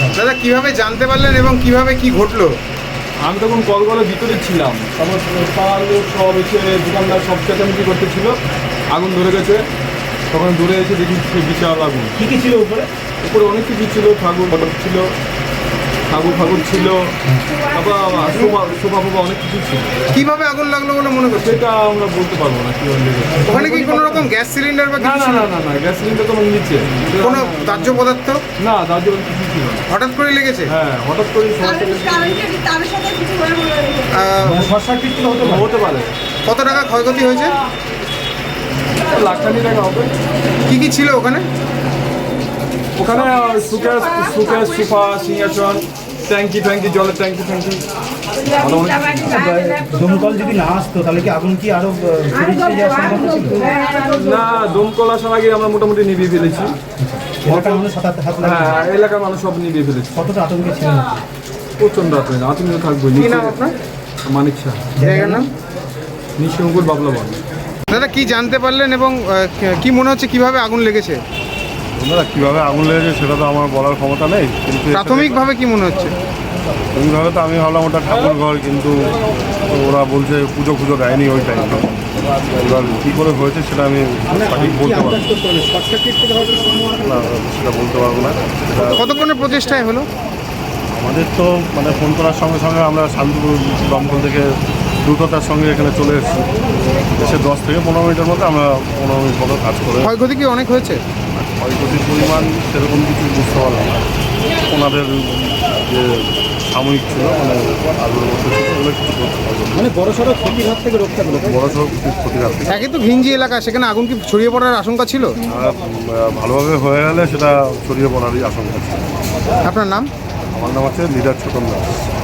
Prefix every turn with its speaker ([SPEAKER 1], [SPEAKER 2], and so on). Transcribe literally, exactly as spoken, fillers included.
[SPEAKER 1] দাদা কিভাবে জানতে পারলেন এবং কিভাবে কি ঘটলো?
[SPEAKER 2] আমি তখন কলগলের ভিতরে ছিলাম, তারপর পাড়ার লোক সব এসে দোকানদার সব চেঁচামেচি করতেছিল, আগুন ধরে গেছে। তখন দূরে এসে দেখি বিশাল আগুন।
[SPEAKER 3] কী কী ছিল উপরে?
[SPEAKER 2] উপরে অনেক কিছু ছিল, ঠাকুর ছিল, ঠাকুর ঠাকুর ছিল, তারপর শোভা শোভা ফোভা অনেক কিছু ছিল।
[SPEAKER 1] কিভাবে আগুন লাগলো বলে মনে করছে?
[SPEAKER 2] সেটা আমরা বলতে পারবো না কীভাবে লেগেছে।
[SPEAKER 1] ওখানে কি কোনো রকম গ্যাস সিলিন্ডার বা
[SPEAKER 2] না
[SPEAKER 1] কিছু
[SPEAKER 2] না
[SPEAKER 1] ছিল?
[SPEAKER 2] না না না গ্যাস সিলিন্ডার তো নিচে
[SPEAKER 1] কোনো দাহ্য পদার্থ?
[SPEAKER 2] না দাহ্য কিছু ছিল না।
[SPEAKER 1] হঠাৎ করে লেগেছে?
[SPEAKER 2] হ্যাঁ হঠাৎ করে সবার থেকে
[SPEAKER 1] আহ,
[SPEAKER 3] শর্ট সার্কিট ছিল হতে পারে।
[SPEAKER 2] হতে পারে।
[SPEAKER 1] কত টাকা ক্ষয়ক্ষতি হয়েছে?
[SPEAKER 2] লাখ খানি টাকা হবে।
[SPEAKER 1] কি কি ছিল ওখানে?
[SPEAKER 2] ওখানে সুকেস সুকেস সোফা সিংহাসন ট্যাঙ্কি ট্যাঙ্কি জলের ট্যাঙ্কি ট্যাঙ্কি ভালো অনেক কিছু।
[SPEAKER 3] দমকল যদি না আসতো তাহলে কি আগুন কি আরো ছড়িয়ে যাওয়ার সম্ভাবনা ছিল?
[SPEAKER 2] না দমকল আসার আগে আমরা মোটামুটি নিভিয়ে ফেলেছি।
[SPEAKER 3] এলাকার মানুষ হাত হাত লাগে।
[SPEAKER 2] হ্যাঁ এলাকার মানুষ সব নিভিয়ে ফেলেছি।
[SPEAKER 3] কতটা আতঙ্কে ছিলেন?
[SPEAKER 2] প্রচণ্ড আতঙ্ক আতঙ্ক থাকবে।
[SPEAKER 1] কি নাম আপনার?
[SPEAKER 2] মানিক শাহ,
[SPEAKER 1] জায়গার নাম?
[SPEAKER 2] নিঃসঙ্কুল বাবলা বন।
[SPEAKER 1] দাদা কি জানতে পারলেন এবং আহ, কি মনে হচ্ছে কিভাবে আগুন লেগেছে?
[SPEAKER 4] দাদা কীভাবে আগুন লেগেছে সেটা তো আমার বলার ক্ষমতা নেই, কিন্তু
[SPEAKER 1] প্রাথমিকভাবে কি মনে হচ্ছে?
[SPEAKER 4] প্রাথমিকভাবে তো আমি ভাবলাম ওটা ঠাকুর ঘর, কিন্তু ওরা বলছে পুজো পুজো দেয়নি ওই টাইমে। এবার কী করে হয়েছে সেটা আমি সঠিক বলতে পারবো
[SPEAKER 3] শর্ট সার্কিট থেকে হয়তো
[SPEAKER 4] না, সেটা বলতে পারবো না। সেটা
[SPEAKER 1] কতক্ষণের প্রচেষ্টায় হলো?
[SPEAKER 4] আমাদের তো মানে ফোন করার সঙ্গে সঙ্গে আমরা শান্তিপুর দমকল থেকে দ্রুততার সঙ্গে এখানে চলে এসেছি। এসে দশ থেকে পনেরো মিনিটের মধ্যে আমরা পনেরো মিনিট মতো কাজ করে
[SPEAKER 1] ক্ষয়ক্ষতি কি অনেক হয়েছে?
[SPEAKER 4] ক্ষয়ক্ষতির পরিমাণ সেরকম কিছু বুঝতে পারলাম না। ওনাদের যে সাময়িক ছিল মানে আলুর মধ্যে ছিল ওগুলো কিছু করতে পারবো না।
[SPEAKER 3] মানে বড় সড়ো ক্ষতির হাত থেকে রক্ষা পেল।
[SPEAKER 4] বড় সড়ো কিছু ক্ষতির হাত থেকে।
[SPEAKER 1] একে তো ঘিঞ্জি এলাকা, সেখানে আগুন কি ছড়িয়ে পড়ার আশঙ্কা ছিল?
[SPEAKER 4] আর ভালোভাবে হয়ে গেলে সেটা ছড়িয়ে পড়ারই আশঙ্কা ছিল।
[SPEAKER 1] আপনার নাম?
[SPEAKER 4] আমার নাম হচ্ছে লিডার ছোটন দাস।